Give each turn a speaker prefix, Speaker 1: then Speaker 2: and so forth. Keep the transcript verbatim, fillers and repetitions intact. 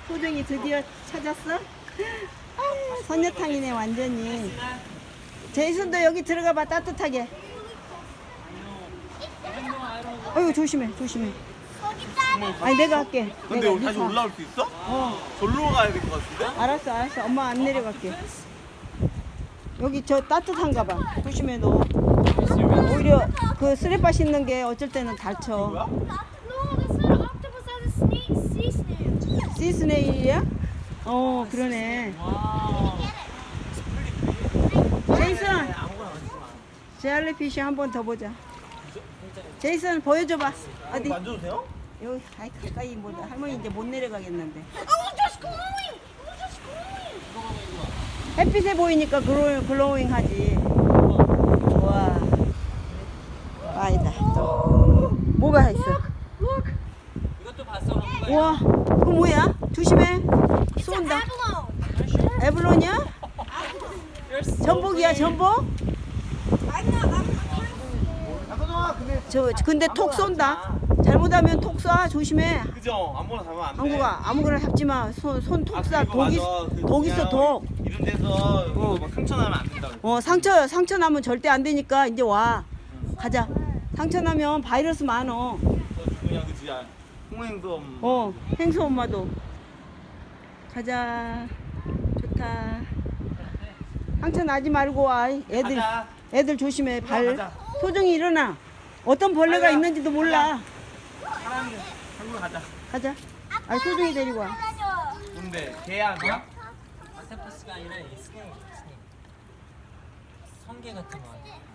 Speaker 1: 소정이 드디어 찾았어? 아, 선녀탕이네 완전히. 제이슨도 여기 들어가 봐 따뜻하게. 어이구 조심해 조심해. 아니 내가 할게.
Speaker 2: 근데
Speaker 1: 내가
Speaker 2: 여기 다시
Speaker 1: 리사.
Speaker 2: 올라올 수 있어?
Speaker 1: 어
Speaker 2: 절로 가야 될 것 같은데?
Speaker 1: 알았어 알았어 엄마 안 내려갈게. 여기 저 따뜻한가 봐. 조심해 너. 오히려 그 쓰레빠 씻는 게 어쩔 때는 다쳐.
Speaker 2: 뭐야?
Speaker 3: No, that's not an octopus, that's a snake, sea snail.
Speaker 1: 시스네일이야? 어 그러네. 제이슨 젤리피쉬 한 번 더 보자. 제이슨 보여줘봐. 어디?
Speaker 2: 만져도 돼요?
Speaker 1: 여기 아이 가까이 뭐 할머니 이제 못 내려가겠는데.
Speaker 3: Oh, just glowing! Oh, just glowing!
Speaker 1: 햇빛에 보이니까 글로, 글로잉 하지. 우와. 아니다. 또. 뭐가 있어?
Speaker 4: 이것도 봤어.
Speaker 1: 우와. 그거 뭐야? 조심해. 쏜다.
Speaker 3: Abalone!
Speaker 1: 에블론이야? 전복이야, 전복?
Speaker 2: 잠깐만 근데
Speaker 1: 저, 근데 톡 쏜다. 잘못하면 톡 쏴. 조심해.
Speaker 2: 그죠? 아무거나 잡으면 안 돼.
Speaker 1: 한국아, 아무거나 잡지 마. 손, 손 톡
Speaker 2: 아,
Speaker 1: 쏴.
Speaker 2: 그리고
Speaker 1: 독, 있,
Speaker 2: 맞아. 그
Speaker 1: 독 있어,
Speaker 2: 그냥
Speaker 1: 독.
Speaker 2: 이런 데서 이거 막 상처 나면 안 된다고.
Speaker 1: 어, 상처, 상처 나면 절대 안 되니까 이제 와. 가자. 상처 나면 바이러스 많어.
Speaker 2: 그냥 그지? 홍행섬.
Speaker 1: 어, 행수 엄마도. 가자. 좋다. 상처 나지 말고 와. 애들,
Speaker 2: 가자.
Speaker 1: 애들 조심해. 발.
Speaker 2: 가자.
Speaker 1: 소정이 일어나. 어떤 벌레가
Speaker 2: 가자.
Speaker 1: 있는지도 몰라.
Speaker 2: 사람이 한국 가자.
Speaker 1: 가자. 아, 소정이 데리고 와.
Speaker 2: 근데 개 아니야?
Speaker 4: octopus가 아니라 이 스네일, 스네일. 성게 같은 거.